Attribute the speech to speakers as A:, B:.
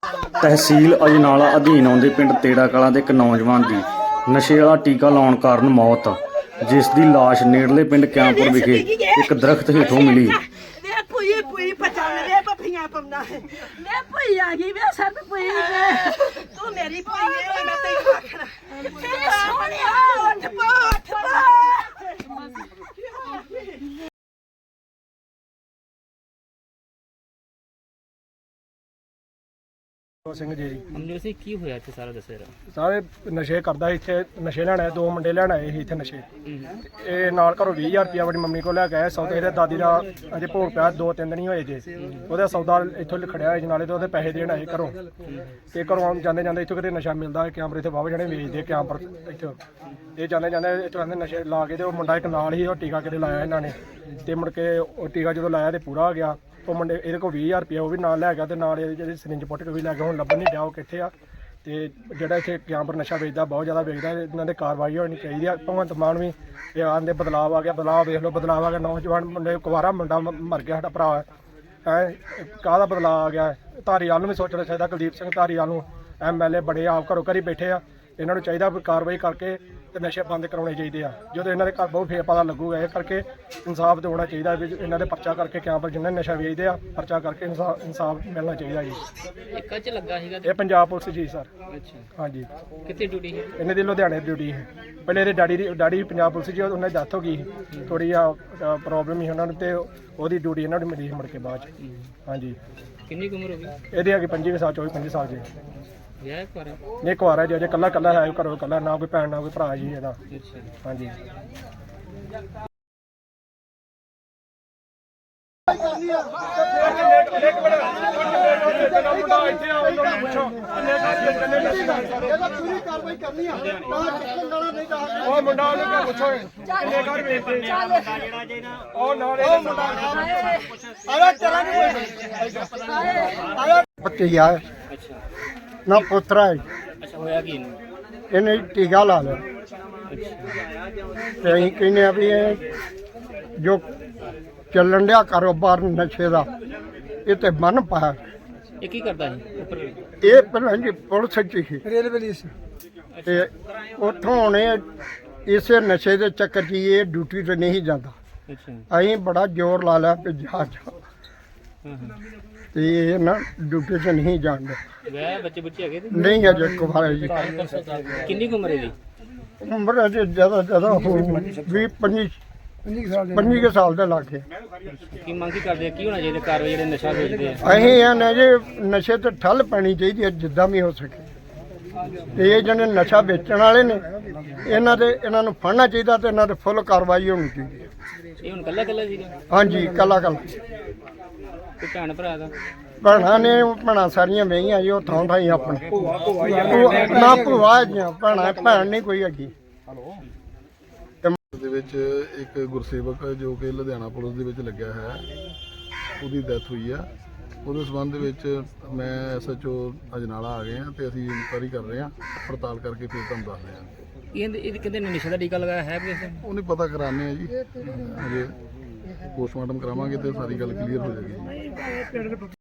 A: ਤਹਿਸੀਲ ਅਜਨਾਲਾ ਅਧੀਨ ਆਉਂਦੇ ਪਿੰਡ ਤੇੜਾ ਕਲਾਂ ਦੇ ਇੱਕ ਨੌਜਵਾਨ ਦੀ ਨਸ਼ੇ ਵਾਲਾ ਟੀਕਾ ਲਾਉਣ ਕਾਰਨ ਮੌਤ, ਜਿਸ ਦੀ ਲਾਸ਼ ਨੇੜਲੇ ਪਿੰਡ ਕਿਆਂਪੁਰ ਵਿਖੇ ਇੱਕ ਦਰਖਤ ਹੇਠੋਂ ਮਿਲੀ।
B: ਸਿੰਘ ਜੀ
C: ਹਮਨੇ ਸੇ ਕੀ ਹੋਇਆ ਇੱਥੇ ਸਾਰਾ ਦੱਸਿਆ
B: ਸਾਰੇ ਨਸ਼ੇ ਕਰਦਾ ਇੱਥੇ, ਨਸ਼ੇ ਲੈਣ ਆਏ, ਦੋ ਮੁੰਡੇ ਲੈਣ ਆਏ ਸੀ ਇੱਥੇ ਨਸ਼ੇ। ਇਹ ਨਾਲ ਘਰੋਂ 20,000 ਰੁਪਇਆ ਆਪਣੀ ਮੰਮੀ ਕੋਲ ਲੈ ਕੇ ਆਏ। ਸੌਦੇ ਇਹਦੇ ਦਾਦੀ ਦਾ ਅਜੇ ਭੋਗ ਪਿਆ, 2-3 ਦਿਨ ਹੀ ਹੋਏ ਜੇ। ਉਹਦਾ ਸੌਦਾ ਇੱਥੋਂ ਖੜਿਆ ਹੋਇਆ ਨਾਲੇ ਤੇ ਉਹਦੇ ਪੈਸੇ ਦੇਣ ਆਏ ਘਰੋਂ। ਤੇ ਘਰੋਂ ਜਾਂਦੇ ਜਾਂਦੇ ਇੱਥੋਂ ਕਿਤੇ ਨਸ਼ਾ ਮਿਲਦਾ ਹੈ, ਕੈਂਪਰ ਇੱਥੇ ਵਾਹਵਾ ਜਣੇ ਵੇਚਦੇ ਕੈਂਪਰ ਇੱਥੋਂ। ਇਹ ਜਾਂਦੇ ਜਾਂਦੇ ਇੱਥੋਂ ਕਹਿੰਦੇ ਨਸ਼ੇ ਲਾ ਕੇ ਤੇ ਉਹ ਮੁੰਡਾ ਇੱਕ ਨਾਲ ਹੀ ਉਹ ਟੀਕਾ ਕਿਤੇ ਲਾਇਆ ਇਹਨਾਂ ਨੇ। ਤੇ ਮੁੜ ਕੇ ਉਹ ਟੀਕਾ ਜਦੋਂ ਲਾਇਆ ਤੇ ਪੂਰਾ ਹੋ ਗਿਆ। ਉਹ ਮੁੰਡੇ ਇਹਦੇ ਕੋਲ 20,000 ਰੁਪਇਆ ਉਹ ਵੀ ਨਾਲ ਲੈ ਗਿਆ ਤੇ ਨਾਲ ਇਹਦੀ ਜਿਹੜੀ ਸਿਰਿੰਜ ਪੁੱਟ ਕੇ ਵੀ ਲੈ ਗਿਆ। ਹੁਣ ਲੱਭਣ ਨਹੀਂ ਡਿਆ ਉਹ ਕਿੱਥੇ ਆ। ਤੇ ਜਿਹੜਾ ਇੱਥੇ ਕੈਂਪਰ ਨਸ਼ਾ ਵੇਚਦਾ ਬਹੁਤ ਜ਼ਿਆਦਾ ਵੇਚਦਾ, ਇਹਨਾਂ ਦੇ ਕਾਰਵਾਈ ਹੋਣੀ ਚਾਹੀਦੀ ਆ। ਭਗਵੰਤ ਮਾਨ ਵੀ ਇਹ ਆਂਦੇ ਬਦਲਾਅ ਆ ਗਿਆ, ਬਦਲਾਅ ਵੇਖ ਲਓ, ਬਦਲਾਅ ਆ ਗਿਆ। ਨੌਜਵਾਨ ਮੁੰਡੇ ਕੁਵਾਰਾ ਮੁੰਡਾ ਮਰ ਗਿਆ ਸਾਡਾ ਭਰਾ ਹੈ, ਕਾਹਦਾ ਬਦਲਾਅ ਆ ਗਿਆ। ਧਾਰੀਵਾਲ ਨੂੰ ਵੀ ਸੋਚਣਾ ਚਾਹੀਦਾ, ਕੁਲਦੀਪ ਸਿੰਘ ਧਾਰੀਵਾਲ ਨੂੰ, MLA ਬੜੇ ਆਪ ਘਰੋਂ ਘਰੀ ਬੈਠੇ ਆ। ਇਹਨਾਂ ਨੂੰ ਚਾਹੀਦਾ ਵੀ ਕਾਰਵਾਈ ਕਰਕੇ ਤੇ ਨਸ਼ੇ ਬੰਦ ਕਰਾਉਣੇ ਚਾਹੀਦੇ ਆ। ਜਦੋਂ ਇਹਨਾਂ ਦੇ ਘਰ ਬਹੁਤ ਫੇਰ ਪਤਾ ਲੱਗੂਗਾ। ਇਹ ਕਰਕੇ ਇਨਸਾਫ ਦਿਵਾਉਣਾ ਚਾਹੀਦਾ ਵੀ ਇਹਨਾਂ ਦੇ ਪਰਚਾ ਕਰਕੇ ਕੈਂਪਰ ਜਿੰਨੇ ਨਸ਼ਾ ਵੇਚਦੇ ਆ, ਪਰਚਾ ਕਰਕੇ ਇਨਸਾਫ ਮਿਲਣਾ ਚਾਹੀਦਾ ਜੀ।
C: ਇੱਕ ਚ ਲੱਗਾ ਸੀਗਾ
B: ਇਹ ਪੰਜਾਬ ਪੁਲਿਸ ਜੀ ਸਰ।
C: ਅੱਛਾ,
B: ਹਾਂਜੀ।
C: ਕਿੱਥੇ ਡਿਊਟੀ ਹੈ?
B: ਇਹਨਾਂ ਦੀ ਲੁਧਿਆਣੇ ਡਿਊਟੀ ਹੈ। ਪਹਿਲੇ ਇਹਦੇ ਡੈਡੀ ਪੰਜਾਬ ਪੁਲਿਸ ਜੀ, ਉਹਨਾਂ ਦੀ ਡੈਥ ਹੋ ਗਈ। ਥੋੜੀ ਆ ਪ੍ਰੋਬਲਮ ਹੀ ਉਹਨਾਂ ਨੂੰ ਤੇ ਉਹਦੀ ਡਿਊਟੀ ਇਹਨਾਂ ਨੂੰ ਮਿਲੀ ਮੁੜ ਕੇ ਬਾਅਦ ਚ। ਹਾਂਜੀ।
C: ਕਿੰਨੀ ਕੁ ਉਮਰ ਹੋ ਗਈ?
B: ਇਹਦੇ ਅੱਗੇ 25 ਸਾਲ 24-25 ਸਾਲ ਜੀ।
C: ਵਿਆਹ ਕਰ?
B: ਇਹ ਕੁਆਰਾ ਜੀ, ਅਜੇ ਕੱਲਾ ਹੈ ਘਰੋਂ, ਕੱਲਾ, ਨਾ ਕੋਈ ਭੈਣ ਨਾ ਕੋਈ ਭਰਾ ਜੀ ਇਹਦਾ।
C: ਅੱਛਾ।
B: ਹਾਂਜੀ। ਉਹ ਮੁੰਡਾ ਉਹਨੂੰ ਕਿਆ ਪੁੱਛੋ ਕਿੰਨੇ ਘਰ ਵੇਚਦੇ ਉਹ ਨਾਲ ਇਹ ਮੁੰਡਾ ਆਇਆ ਚਲਾਂਗੇ
D: ਭਤੀਜਾ ਹੈ
C: ਅੱਛਾ
D: ਨਾ ਪੁੱਤਰਾ ਹੈ।
C: ਅੱਛਾ, ਹੋਇਆ ਕੀ ਇਹਨੂੰ?
D: ਇਹਨੇ ਟੀਕਾ ਲਾ ਲਿਆ ਤੇ ਅਸੀਂ ਕਹਿੰਦੇ ਆ ਵੀ ਇਹ ਜੋ ਚੱਲਣ ਡਿਆ ਕਾਰੋਬਾਰ ਨਸ਼ੇ ਦਾ, ਇਹ ਤੇ ਬੰਨ ਪਾਇਆ।
C: ਇਹ ਕੀ ਕਰਦਾ ਸੀ ਉੱਪਰ?
D: ਇਹ ਪਹਿਲਾਂ ਜੀ ਪੁਲਿਸ ਚ ਸੀ
B: ਰੇਲਵੇ
D: ਤੇ ਉੱਥੋਂ ਹੁਣ ਇਹ ਇਸੇ ਨਸ਼ੇ ਦੇ ਚੱਕਰ 'ਚ ਹੀ ਇਹ ਡਿਊਟੀ ਤੇ ਨਹੀਂ ਜਾਂਦਾ।
C: ਅੱਛਾ।
D: ਅਸੀਂ ਬੜਾ ਜ਼ੋਰ ਲਾ ਲਿਆ ਕਿ ਜਾ
C: ਹਾਂ।
D: ਤੇ ਇਹ ਨਾ ਡਿਊਟੀ ਤੇ ਨਹੀਂ ਜਾਣਦੇ।
C: ਵਿਆਹ ਬੱਚੇ ਬੁੱਚੇ ਹੈਗੇ ਤੇ?
D: ਨਹੀਂ ਅਜੇ ਕੁਵਾਰਾ ਜੀ।
C: ਕਿੰਨੀ ਕੁ ਉਮਰ ਇਹਦੀ?
D: ਉਮਰ ਅਜੇ ਜ਼ਿਆਦਾ ਹੋ 25 ਸਾਲ ਦੇ ਲਾਗੇ।
C: ਕੀ ਮੰਗ ਕੀ ਕਰਦੇ ਆ? ਕੀ ਹੋਣਾ ਚਾਹੀਦਾ ਕਾਰਵਾਈ ਜਿਹੜੇ ਨਸ਼ਾ ਵੇਚਦੇ ਆ?
D: ਅਸੀਂ ਇਹ ਨੇ ਜੇ ਨਸ਼ੇ ਤੇ ਠੱਲ ਪੈਣੀ ਚਾਹੀਦੀ ਹੈ ਜਿੱਦਾਂ ਵੀ ਹੋ ਸਕੇ। ਤੇ ਇਹ ਜਿਹੜੇ ਨਸ਼ਾ ਵੇਚਣ ਵਾਲੇ ਨੇ ਇਹਨਾਂ ਨੂੰ ਫੜਨਾ ਚਾਹੀਦਾ ਤੇ ਇਹਨਾਂ ਤੇ ਫੁੱਲ ਕਾਰਵਾਈ ਹੋਣੀ ਚਾਹੀਦੀ ਹੈ।
C: ਇਹ ਹੁਣ ਕੱਲਾ ਸੀਗਾ?
D: ਹਾਂਜੀ, ਕੱਲਾ
C: ਤੇ ਭੈਣ ਭਰਾ ਦਾ?
D: ਭੈਣਾਂ ਸਾਰੀਆਂ ਵਹੀਆਂ ਜੀ, ਉਹ ਥਾਂ ਥਾਈ ਆਪਣੇ ਨਾ ਭੂਆ ਜੀਆਂ ਭੈਣ ਨਹੀਂ ਕੋਈ ਹੈਗੀ।
E: ਦੇ ਵਿੱਚ ਇੱਕ ਗੁਰਸੇਵਕ ਜੋ ਕਿ ਲੁਧਿਆਣਾ ਪੁਲਿਸ ਦੇ ਵਿੱਚ ਲੱਗਿਆ ਹੈ, ਉਹਦੀ ਡੈਥ ਹੋਈ ਆ। ਉਹਦੇ ਸੰਬੰਧ ਵਿੱਚ ਮੈਂ SHO ਅਜਨਾਲਾ ਆ ਗਏ ਹਾਂ ਤੇ ਅਸੀਂ ਇਨਕੁਆਇਰੀ ਕਰ ਰਹੇ ਹਾਂ, ਪੜਤਾਲ ਕਰਕੇ ਫਿਰ ਤੁਹਾਨੂੰ ਦੱਸਦੇ ਹਾਂ।
C: ਇਹ ਕਹਿੰਦੇ ਨਸ਼ੇ ਦਾ ਟੀਕਾ ਲਗਾਇਆ ਹੈ ਵੀ?
E: ਉਹਨੇ ਪਤਾ ਕਰਾਣੇ ਆ ਜੀ, ਅਜੇ ਪੋਸਟਮਾਰਟਮ ਕਰਾਵਾਂਗੇ ਤੇ ਸਾਰੀ ਗੱਲ ਕਲੀਅਰ ਹੋ ਜਾਏਗੀ ਜੀ।